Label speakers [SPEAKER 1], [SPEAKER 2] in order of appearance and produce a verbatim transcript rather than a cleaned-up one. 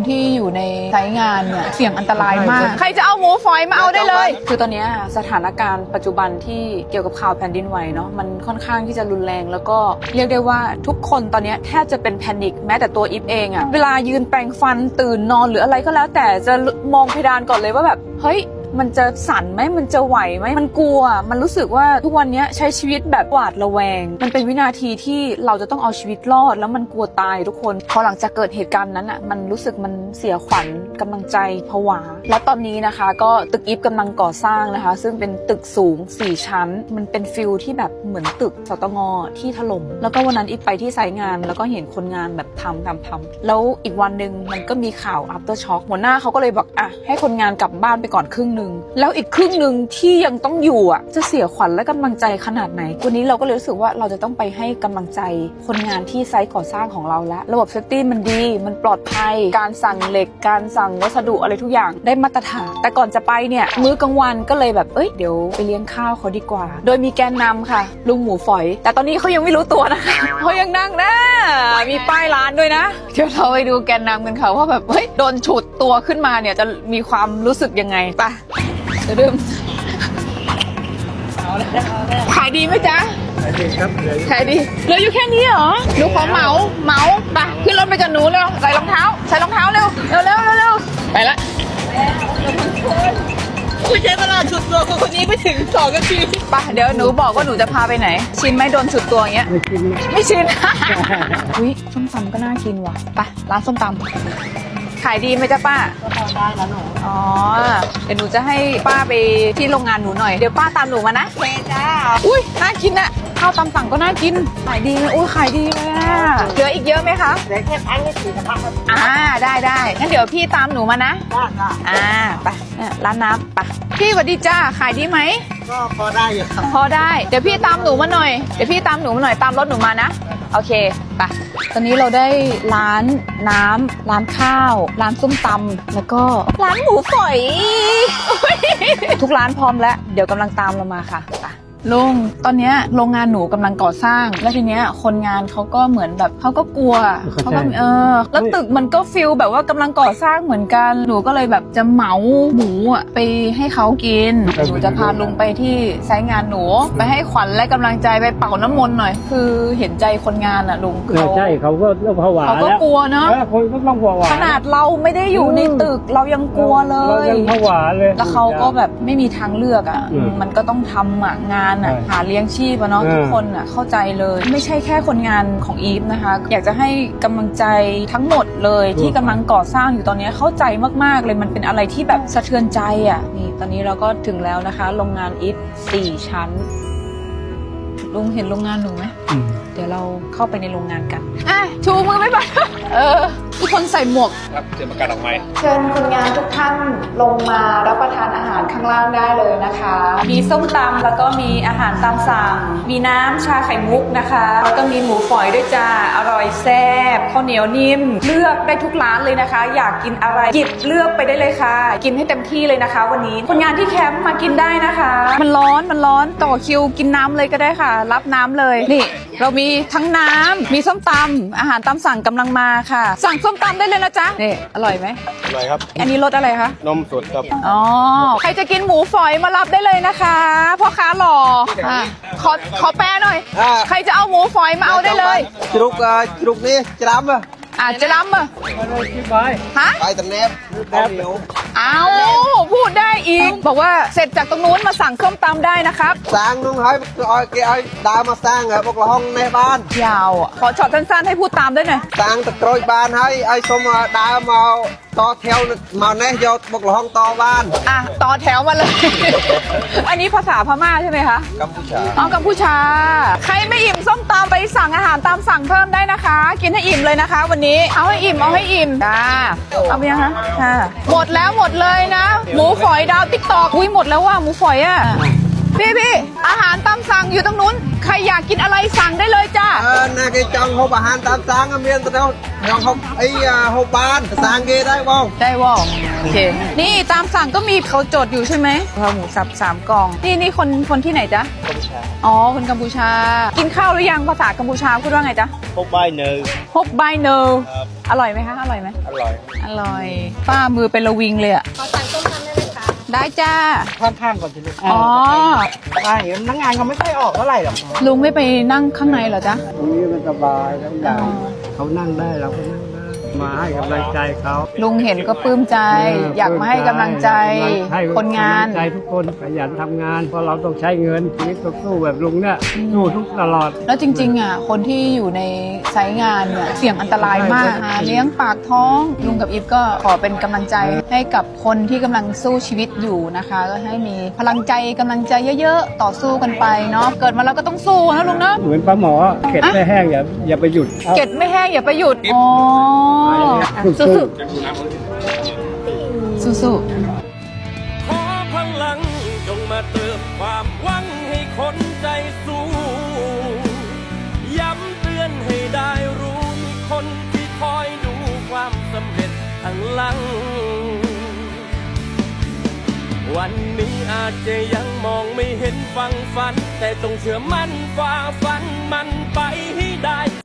[SPEAKER 1] ที่อยู่ในไซต์งานเนี่ยเสี่ยงอันตรายมากใครจะเอาหมูฝอยมาเอาได้เลยคือตอนนี้สถานการณ์ปัจจุบันที่เกี่ยวกับข่าวแผ่นดินไหวเนาะมันค่อนข้างที่จะรุนแรงแล้วก็เรียกได้ว่าทุกคนตอนนี้แทบจะเป็นแพนิคแม้แต่ตัวอีฟเองอะเวลายืนแปรงฟันตื่นนอนหรืออะไรก็แล้วแต่จะมองเพดานก่อนเลยว่าแบบเฮ้ยมันจะสั่นไหมมันจะไหวไหมมันกลัวมันรู้สึกว่าทุกวันนี้ใช้ชีวิตแบบหวาดระแวงมันเป็นวินาทีที่เราจะต้องเอาชีวิตรอดแล้วมันกลัวตายทุกคนพอหลังจากเกิดเหตุการณ์นั้นอ่ะมันรู้สึกมันเสียขวัญกำลังใจผวาแล้วตอนนี้นะคะก็ตึกอีฟกำลังก่อสร้างนะคะซึ่งเป็นตึกสูงสี่ชั้นมันเป็นฟิลที่แบบเหมือนตึกสตงที่ถล่มแล้วก็วันนั้นอีฟไปที่ไซต์งานแล้วก็เห็นคนงานแบบทำทำทำแล้วอีกวันนึงมันก็มีข่าว after shock หัวหน้าเขาก็เลยบอกอ่ะให้คนงานกลับบ้านไปก่อนครึ่งนึงแล้วอีกครึ่งหนึ่งที่ยังต้องอยู่อ่ะจะเสียขวัญและกำลังใจขนาดไหนวันนี้เราก็เลยรู้สึกว่าเราจะต้องไปให้กำลังใจคนงานที่ไซต์ก่อสร้างของเราแล้วระบบเซฟตี้มันดีมันปลอดภัยการสั่งเหล็กการสั่งวัสดุอะไรทุกอย่างได้มาตรฐานแต่ก่อนจะไปเนี่ยมื้อกลางวันก็เลยแบบเอ้ยเดี๋ยวไปเลี้ยงข้าวเขาดีกว่าโดยมีแกนนำค่ะลุงหมูฝอยแต่ตอนนี้เขายังไม่รู้ตัวนะคะเขายังนั่งนะมีป้ายร้านด้วยนะเดี๋ยวเราไปดูแกนนำกันค่ะว่าแบบเฮ้ยโดนฉุดตัวขึ้นมาเนี่ยจะมีความรู้สึกยังไงไปเดี๋ยวดื่มขายดีไหมจ๊ะขายดีครับขายดีเหลืออยู่แค่นี้เหรอหนูขอเหมาเหมาไปขึ้นรถไปกับหนูเร็วใส่รองเท้าใส่รองเท้าเร็วเร็วเร็วเร็วไปละไม่ใช่เวลาฉุดตัวคนนี้ไปถึงสองนาทีไปเดี๋ยวหนูบอกว่าหนูจะพาไปไหนชินไหมโดนฉุดตัวอย่างเงี้ยไม่ชินไม่ชินอุ้ยส้มตำก็น่ากินว่ะไปร้านส้มตำขายดีไหมจ๊ะป้าก็พอได้แล้วหนูอ๋อเดี๋ยวหนูจะให้ป้าไปที่โรงงานหนูหน่อยเดี๋ยวป้าตามหนูมานะโอเคจ้าอุ้ยน่ากินอะข้าวตำสั่งก็น่ากินขายดีเลยอุ้ยขายดีเลยอะเหลืออีกเยอะไหมคะเหลือแค่พันนี่สี่พันอ่าได้ได้งั้นเดี๋ยวพี่ตามหนูมานะได้ค่ะอ่าไปร้านน้ำไปพี่สวัสดีจ้าขายดีไหมก็พอได้อยู่พอได้เดี๋ยวพี่ตามหนูมาหน่อยเดี๋ยวพี่ตามหนูมาหน่อยตามรถหนูมานะโอเคไปตอนนี้เราได้ร้านน้ำร้านข้าวร้านส้มตำแล้วก็ร้านหมูฝอยทุกร้านพร้อมแล้วเดี๋ยวกำลังตามเรามาค่ะไปลุงตอนนี้โรงงานหนูกำลังก่อสร้างแล้วทีเนี้ยคนงานเขาก็เหมือนแบบเขาก็กลัวเขาก็เออแล้วตึกมันก็ฟิลแบบว่ากำลังก่อสร้างเหมือนกันหนูก็เลยแบบจะเหมาหมูอ่ะไปให้เขากินหนูจะพาลุงไปที่ไซต์งานหนูไปให้ขวัญและกำลังใจไปเป่าน้ำมนต์หน่อยคือเห็นใจคนงานอ่ะลุงเขา
[SPEAKER 2] ใช่เขาก็เริ่มผวา
[SPEAKER 1] เขาก็กลัวเนาะ
[SPEAKER 2] คนก็ต้องผวา
[SPEAKER 1] ขนาดเราไม่ได้อยู่ในตึกเรายังกลัวเลย
[SPEAKER 2] เรายังผวาเลย
[SPEAKER 1] แล้วเขาก็แบบไม่มีทางเลือกอ่ะมันก็ต้องทำอ่ะงานหาเลี้ยงชีพอะเนาะทุกคนอะเข้าใจเลยไม่ใช่แค่คนงานของอีฟนะคะอยากจะให้กำลังใจทั้งหมดเลยที่กำลังก่อสร้างอยู่ตอนนี้เข้าใจมากๆเลยมันเป็นอะไรที่แบบสะเทือนใจอะนี่ตอนนี้เราก็ถึงแล้วนะคะโรงงานอีฟสี่ชั้นลุงเห็นโรงงานหนูไหมเดี๋ยวเราเข้าไปในโรงงานกันอ่ะชูมือไม่ไปเออทุกคนใส่หมวก
[SPEAKER 3] ครับเตรียมประกาศออกไม้
[SPEAKER 1] เชิญคนงานทุกท่านลงมารับประทานอาหารข้างล่างได้เลยนะคะมีส้มตำแล้วก็มีอาหารตามสั่งมีน้ำชาไข่มุกนะคะแล้วก็มีหมูฝอยด้วยจ้าอร่อยแซ่บข้าวเหนียวนิ่มเลือกได้ทุกร้านเลยนะคะอยากกินอะไรหยิบเลือกไปได้เลยค่ะกินให้เต็มที่เลยนะคะวันนี้คนงานที่แคมป์มากินได้นะคะมันร้อนมันร้อนต่อคิวกินน้ำเลยก็ได้ค่ะรับน้ำเลยนี่เรามีทั้งน้ำมีส้มตำอาหารตามสั่งกำลังมาค่ะสั่งส้มตำได้เลยนะจ๊ะนี่อร่อยไหม
[SPEAKER 3] อร่อยครับ
[SPEAKER 1] อันนี้รสอะไรคะ
[SPEAKER 3] นมสดครับ
[SPEAKER 1] อ๋อใครจะกินหมูฝอยมารับได้เลยนะคะพ่อค้าหล่ออ่ะขอขอแปลหน่อยใครจะเอาหมูฝอยมาเอาได้เลย
[SPEAKER 4] จุกจุกนี่จำอ่ะ
[SPEAKER 1] อ่ะจะรำอ่ะฮะ
[SPEAKER 4] ไปตันแนบเอาเหนียว
[SPEAKER 1] เอาพูดได้อีกบอกว่าเสร็จจากตรงนู้นมาสั่งส้มตำได้นะครับ
[SPEAKER 4] สร้างน้องให้เอาแกเอาดามาสร้างอ่ะบอกละห้องในบ้าน
[SPEAKER 1] ยาวอ่ะขอช็อตสั้นๆให้พูดตามด้วยหน่อย
[SPEAKER 4] สร้างตะกร้อยบ้านให้ไอ้สมดามาต่อแถวมาแน่ยอดบอกละห้องต่อบ้าน
[SPEAKER 1] อ่ะต่อแถวมาเลยอันนี้ภาษาพม่าใช่ไหมคะ
[SPEAKER 4] กัมพูชา
[SPEAKER 1] อ๋อกัมพูชาใครไม่อิ่มส้มตำไปสั่งอาหารตามสั่งเพิ่มได้นะคะกินให้อิ่มเลยนะคะวันนี้เอาให้อิ่มเอาให้อิ่มจ้าเอาไปยังคะค่ะหมดแล้วหมดเลยนะหมูฝอยดาวติ๊กตอกอุ้ยหมดแล้วว่ะหมูฝอยอ่ะพี่พี่อาหารตามสั่งอยู่ตรงนู้นใครอยากกินอะไรสั่งได้เลยจ้า
[SPEAKER 4] អឺណាគេចង់ហូបអាហារតាមសាងមានទៅខ្ញុំហូបអីហូបបានសាងគេដែរបង
[SPEAKER 1] ได้วอโอเค นี่ตามสั่งก็มีเขาจดอยู่ใช่ไหมข้าวหมูสับสามกล่อง นี่นี่คนคนที่ไหนจ๊ะ
[SPEAKER 4] กัมพูชา
[SPEAKER 1] อ๋อ คนกัมพูชา กินข้าวหรือยังภาษากัมพูชาพูดว่าไงจ๊ะ
[SPEAKER 4] ហូបបាយនៅ
[SPEAKER 1] ฮบไบเนอร์อร่อยไหมคะ อร่อยไหม
[SPEAKER 4] អร่อย
[SPEAKER 1] อร่อย ป้ามือเป็นระวิงเลยอะ
[SPEAKER 3] ขอสั่งต้มยำได้ไหมคะ
[SPEAKER 1] ได้จ้า
[SPEAKER 2] ข้างๆก่อนสิลูก
[SPEAKER 1] อ๋อ
[SPEAKER 2] ใช่พนักงานเขาไม่ค่อยออกเท่าไหร่หรอก
[SPEAKER 1] ลุงไม่ไปนั่งข้างในเหรอจ๊ะ
[SPEAKER 2] ตรงนี้มันสบายแล้วอย่าง
[SPEAKER 1] อ๋อ
[SPEAKER 2] เขานั่งได้เราก็นั่งได้ มาให้กำลังใจเขา
[SPEAKER 1] ลุงเห็นก็ปลื้มใจ อยากมาให้กำลังใจ
[SPEAKER 2] ให้
[SPEAKER 1] คนงาน
[SPEAKER 2] กำลัใจทุกคนขยันทำงาน เพราะเราต้องใช้เงินชีวิตต้องสู้แบบลุงเนี่ยสู้ทุกตลอด
[SPEAKER 1] แล้วจริงๆอ่ะคนที่อยู่ในไซต์งานเนี่ยเสี่ยงอันตรายมากหาเลี้ยงปากท้องลุงกับอีฟก็ขอเป็นกำลังใจให้กับคนที่กำลังสู้ชีวิตอยู่นะคะ ก็ให้มีพลังใจกำลังใจเยอะๆ ต่อสู้กันไปเนาะเกิดมาแล้วก็ต้องสู้นะลุงเนาะ
[SPEAKER 2] เหมือนปลาหมอเก็ดไม่แห้งอย่าอย่าไปหยุด
[SPEAKER 1] เก็ดไม่แห้งอย่าไปหยุดอ๋อ
[SPEAKER 2] สู้
[SPEAKER 1] สู้สู้สู้
[SPEAKER 5] ขอพลังจงมาเติมความหวังให้คนใจสู้ ย้ำเตือนให้ได้รู้มีคนที่คอยดูความสำเร็จข้างหลัง วันนี้อาจจะยังมองไม่เห็นฟังฝัน แต่ต้องเชื่อมั่นฝ่าฟันมันไปให้ได้